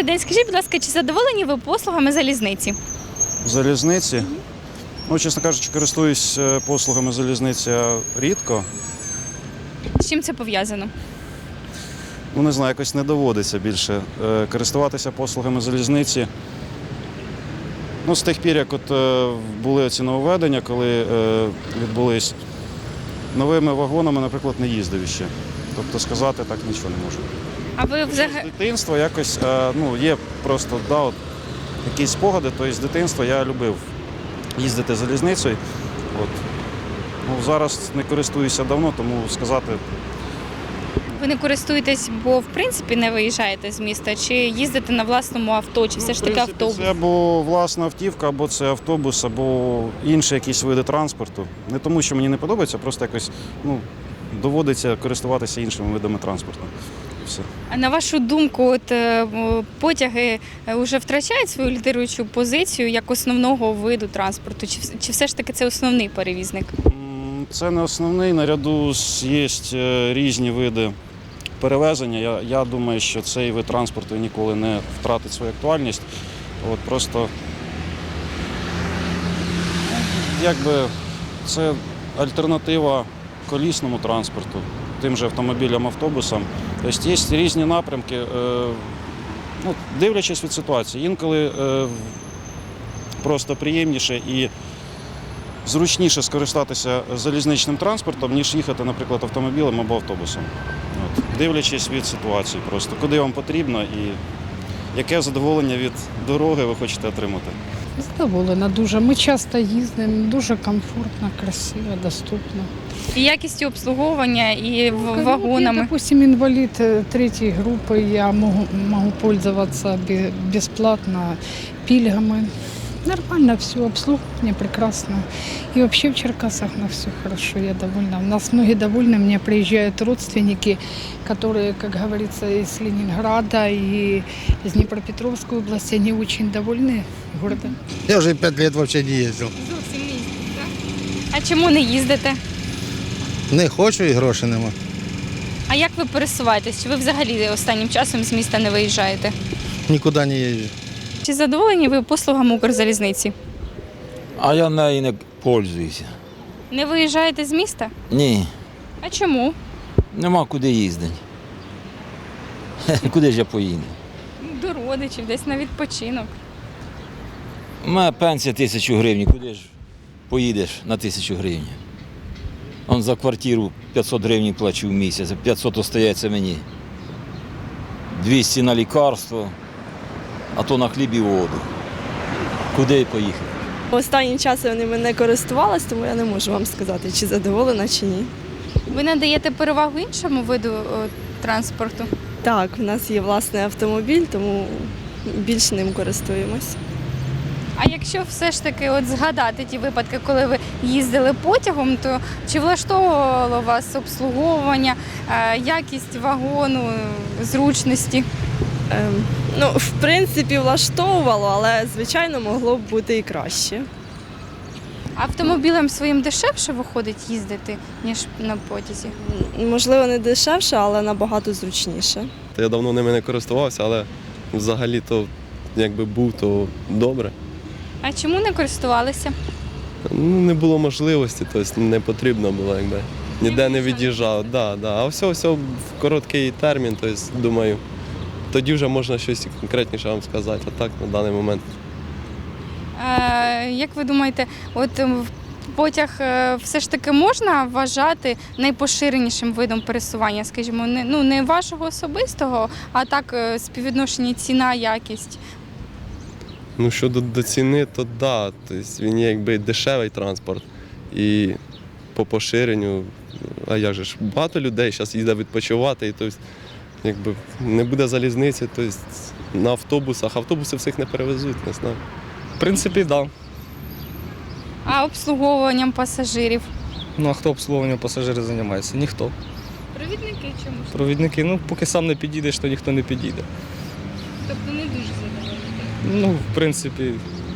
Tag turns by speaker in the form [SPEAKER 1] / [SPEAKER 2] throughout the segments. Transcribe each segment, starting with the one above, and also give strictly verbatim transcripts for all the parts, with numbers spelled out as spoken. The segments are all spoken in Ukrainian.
[SPEAKER 1] Добрий день. Скажіть, будь ласка, чи задоволені ви послугами залізниці?
[SPEAKER 2] Залізниці? Ну, чесно кажучи, користуюсь е, послугами залізниці рідко.
[SPEAKER 1] З чим це пов'язано?
[SPEAKER 2] Ну, не знаю, якось не доводиться більше е, користуватися послугами залізниці. Ну, з тих пір, як от е, були ці нововведення, коли е, відбулись новими вагонами, наприклад, не їздив ще. Тобто сказати так нічого не можу.
[SPEAKER 1] А ви
[SPEAKER 2] З
[SPEAKER 1] взагалі
[SPEAKER 2] дитинства якось, е, ну, є просто, да, от, якісь спогади, то з дитинства я любив їздити залізницею. От. Ну, зараз не користуюся давно, тому сказати.
[SPEAKER 1] ви не користуєтесь, бо в принципі не виїжджаєте з міста, чи їздите на власному авто, чи все ж таки
[SPEAKER 2] В принципі,
[SPEAKER 1] автобус?
[SPEAKER 2] Це або власна автівка, або це автобус, або інші якісь види транспорту. Не тому, що мені не подобається, просто якось ну, доводиться користуватися іншими видами транспорту. Все.
[SPEAKER 1] А на вашу думку, от е, потяги вже втрачають свою лідируючу позицію як основного виду транспорту? Чи, вс- чи все ж таки це основний перевізник?
[SPEAKER 2] М, Це не основний. Наряду з- є е, різні види перевезення. Я, я думаю, що цей вид транспорту ніколи не втратить свою актуальність. От просто якби це альтернатива колісному транспорту, тим же автомобілям, автобусам. Тобто є різні напрямки, е, ну, дивлячись від ситуації. Інколи е, просто приємніше і зручніше скористатися залізничним транспортом, ніж їхати, наприклад, автомобілем або автобусом. От. Дивлячись від ситуації просто, куди вам потрібно і яке задоволення від дороги ви хочете отримати.
[SPEAKER 3] Задоволена дуже. Ми часто їздимо, дуже комфортно, красиво, доступно.
[SPEAKER 1] І якістю обслуговування, і в-
[SPEAKER 3] Ну, Я,
[SPEAKER 1] вагонами.
[SPEAKER 3] допустим, инвалид э, третьей группы, я могу, могу пользоваться бе- бесплатно пильгами. Нормально все, обслуживание прекрасно. И вообще в Черкасах на все хорошо, я довольна. У нас многие довольны, мне приезжают родственники, которые, как говорится, из Ленинграда и из Днепропетровской области, они очень довольны городом.
[SPEAKER 4] Я уже пять лет вообще не ездил.
[SPEAKER 1] Зовсім не їздите, так? А чому не їздите?
[SPEAKER 4] Не хочу і грошей нема.
[SPEAKER 1] А як ви пересуваєтесь? Чи ви взагалі останнім часом з міста не виїжджаєте?
[SPEAKER 4] Нікуди не їжджу.
[SPEAKER 1] Чи задоволені ви послугами Укрзалізниці?
[SPEAKER 5] А я нею не пользуюся.
[SPEAKER 1] Не виїжджаєте з міста?
[SPEAKER 5] Ні,
[SPEAKER 1] А чому?
[SPEAKER 5] нема куди їздити. Куди ж я поїду?
[SPEAKER 1] До родичів, десь на відпочинок.
[SPEAKER 5] У мене пенсія тисячу гривень, куди ж поїдеш на тисячу гривень? Он за квартиру п'ятсот гривень плачу в місяць, п'ятсот остається мені. двісті на лікарство, а то на хліб і воду. Куди поїхати?
[SPEAKER 6] Останнім часом ними не користувалась, тому я не можу вам сказати, чи задоволена, чи ні.
[SPEAKER 1] Ви надаєте перевагу іншому виду о, транспорту?
[SPEAKER 6] Так, в нас є власний автомобіль, тому більш ним користуємось.
[SPEAKER 1] А якщо все ж таки от згадати ті випадки, коли ви їздили потягом, то чи влаштовувало вас обслуговування, е, якість вагону, е, зручності?
[SPEAKER 6] Ем, ну, в принципі, влаштовувало, але, звичайно, могло б бути і краще.
[SPEAKER 1] Автомобілем своїм дешевше виходить їздити, ніж на потязі?
[SPEAKER 6] М, Можливо, не дешевше, але набагато зручніше.
[SPEAKER 7] Я давно ними не користувався, але взагалі то якби був, то добре.
[SPEAKER 1] А чому не користувалися?
[SPEAKER 7] Ну, не було можливості, тобто не потрібно було, якби. Ніде не від'їжджав. Да, да. А все, все в короткий термін, тобто, думаю, тоді вже можна щось конкретніше вам сказати, а так на даний момент.
[SPEAKER 1] Е, як ви думаєте, от е, в- потяг е, все ж таки можна вважати найпоширенішим видом пересування, скажімо, не, ну, не вашого особистого, а так е, співвідношення ціна-якість?
[SPEAKER 7] Ну, щодо до ціни, то да, тобто він є якби дешевий транспорт. І по поширенню, а як же ж, багато людей зараз їздять відпочивати, і тобто, якби не буде залізниці, тобто на автобусах, автобуси всіх не перевезуть, не знаю.
[SPEAKER 8] В принципі, так. Да.
[SPEAKER 1] А обслуговуванням пасажирів?
[SPEAKER 8] Ну а хто обслуговуванням пасажирів займається? Ніхто.
[SPEAKER 1] Провідники чому ж?
[SPEAKER 8] Провідники, ну поки сам не підійдеш, то ніхто не підійде.
[SPEAKER 1] Тобто не дуже задоволені.
[SPEAKER 8] Ну, в принципі,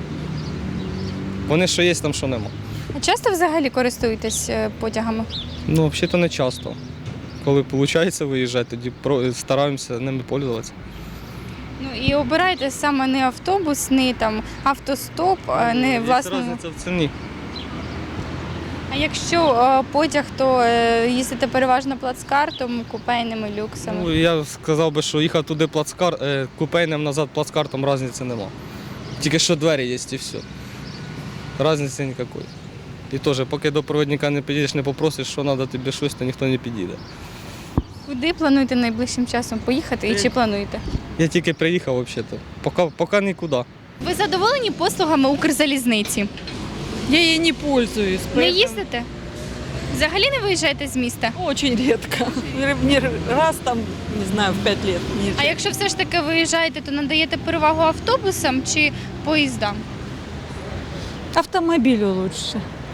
[SPEAKER 8] вони що є, там що нема.
[SPEAKER 1] А часто взагалі користуєтесь е, потягами?
[SPEAKER 8] Ну, взагалі-то не часто. Коли виходить виїжджати, тоді про- стараємося ними пользуватися.
[SPEAKER 1] Ну і обирайте саме не автобус, не там автостоп, а не
[SPEAKER 8] Є
[SPEAKER 1] власне.
[SPEAKER 8] різниця в ціні.
[SPEAKER 1] А якщо е, потяг, то е, їздите переважно плацкартом, купейними, люксами.
[SPEAKER 8] Ну, я сказав би, що їхав туди плацкар, е, купейним назад плацкартом різниці нема. Тільки що двері є і все. Різниці ніякої. І теж, поки до провідника не підійдеш, не попросиш, що треба тобі щось, то ніхто не підійде.
[SPEAKER 1] Куди плануєте найближчим часом поїхати і чи плануєте?
[SPEAKER 8] Я тільки приїхав взагалі-то. Поки, поки нікуди.
[SPEAKER 1] Ви задоволені послугами Укрзалізниці?
[SPEAKER 9] Я ей не пользуюсь.
[SPEAKER 1] Не
[SPEAKER 9] поэтому
[SPEAKER 1] їздите? Взагалі не виїжджаєте з міста?
[SPEAKER 9] Очень редко. Не раз там, не знаю, в пять лет. Не
[SPEAKER 1] А якщо все ж таки виїжджаєте, то надаєте перевагу автобусам чи поїздам?
[SPEAKER 9] Автомобилю лучше.